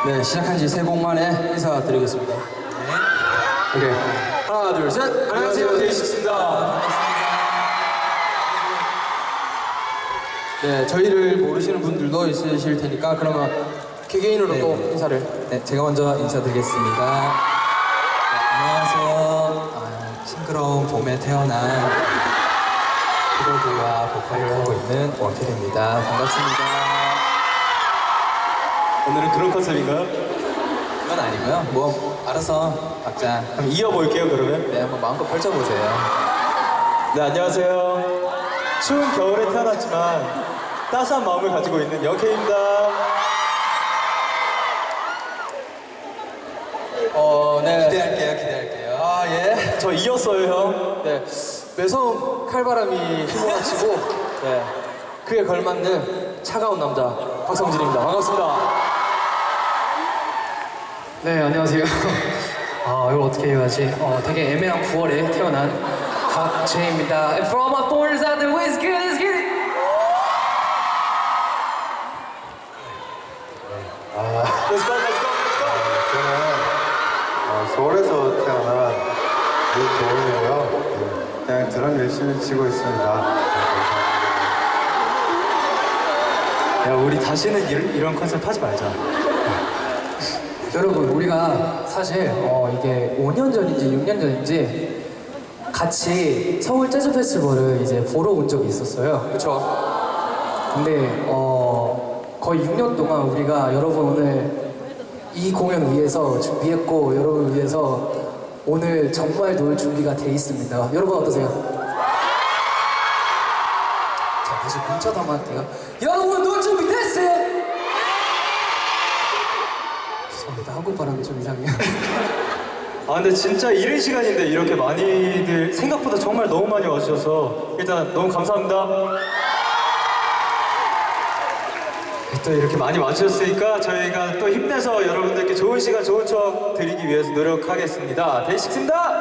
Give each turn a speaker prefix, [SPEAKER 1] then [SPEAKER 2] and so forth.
[SPEAKER 1] 네, 시작한 지 3곡 만에 인사드리겠습니다. 네. 오케이. 하나, 둘, 셋. 안녕하세요, 데이식스입니다. 네, 저희를 모르시는 분들도 있으실 테니까 그러면 개개인으로 또 인사를.
[SPEAKER 2] 네, 제가 먼저 인사드리겠습니다. 네, 안녕하세요. 싱그러운 봄에 태어난 키보드와 보컬을 하고 있는 원필입니다. 반갑습니다.
[SPEAKER 3] 오늘은 그런 컨셉인가요?
[SPEAKER 2] 그건 아니고요. 뭐 알아서 각자
[SPEAKER 3] 그럼 이어볼게요 그러면.
[SPEAKER 2] 네, 한번 마음껏 펼쳐보세요.
[SPEAKER 3] 네, 안녕하세요. 추운 겨울에 태어났지만 따스한 마음을 가지고 있는 영케입니다.
[SPEAKER 1] 네.
[SPEAKER 2] 기대할게요.
[SPEAKER 1] 아, 예.
[SPEAKER 3] 저 이었어요 형.
[SPEAKER 1] 네. 매서운 칼바람이 휘몰아치고, 네. 그에 걸맞는 차가운 남자, 박성진입니다. 반갑습니다.
[SPEAKER 4] 네, 안녕하세요. 이걸 어떻게 해야지? 되게 애매한 9월에 태어난 박재입니다. And for all my foreigners out there, let's get it, let's get it!
[SPEAKER 3] Let's go, let's go, let's go.
[SPEAKER 5] 저는 서울에서 태어난 유도훈이고요. 그냥 드럼 열심히 치고 있습니다.
[SPEAKER 3] 야, 우리 다시는 이런 컨셉 하지 말자.
[SPEAKER 4] 여러분, 우리가 사실 이게 5년 전인지 6년 전인지 같이 서울 재즈 페스티벌을 이제 보러 온 적이 있었어요.
[SPEAKER 1] 그쵸?
[SPEAKER 4] 근데 거의 6년 동안 우리가 여러분 오늘 이 공연 위해서 준비했고 여러분을 위해서 오늘 정말 놀 준비가 돼 있습니다. 여러분 어떠세요? 자, 다시 문자도 한번 할게요. 여러분 놀 준비 됐어요? 죄송합니다. 한국 발음이 좀 이상해요.
[SPEAKER 3] 아 근데 진짜 이른 시간인데 이렇게 많이들 생각보다 정말 너무 많이 와주셔서 일단 너무 감사합니다. 또 이렇게 많이 와주셨으니까 저희가 또 힘내서 여러분들께 좋은 시간 좋은 추억 드리기 위해서 노력하겠습니다. 데이식스입니다.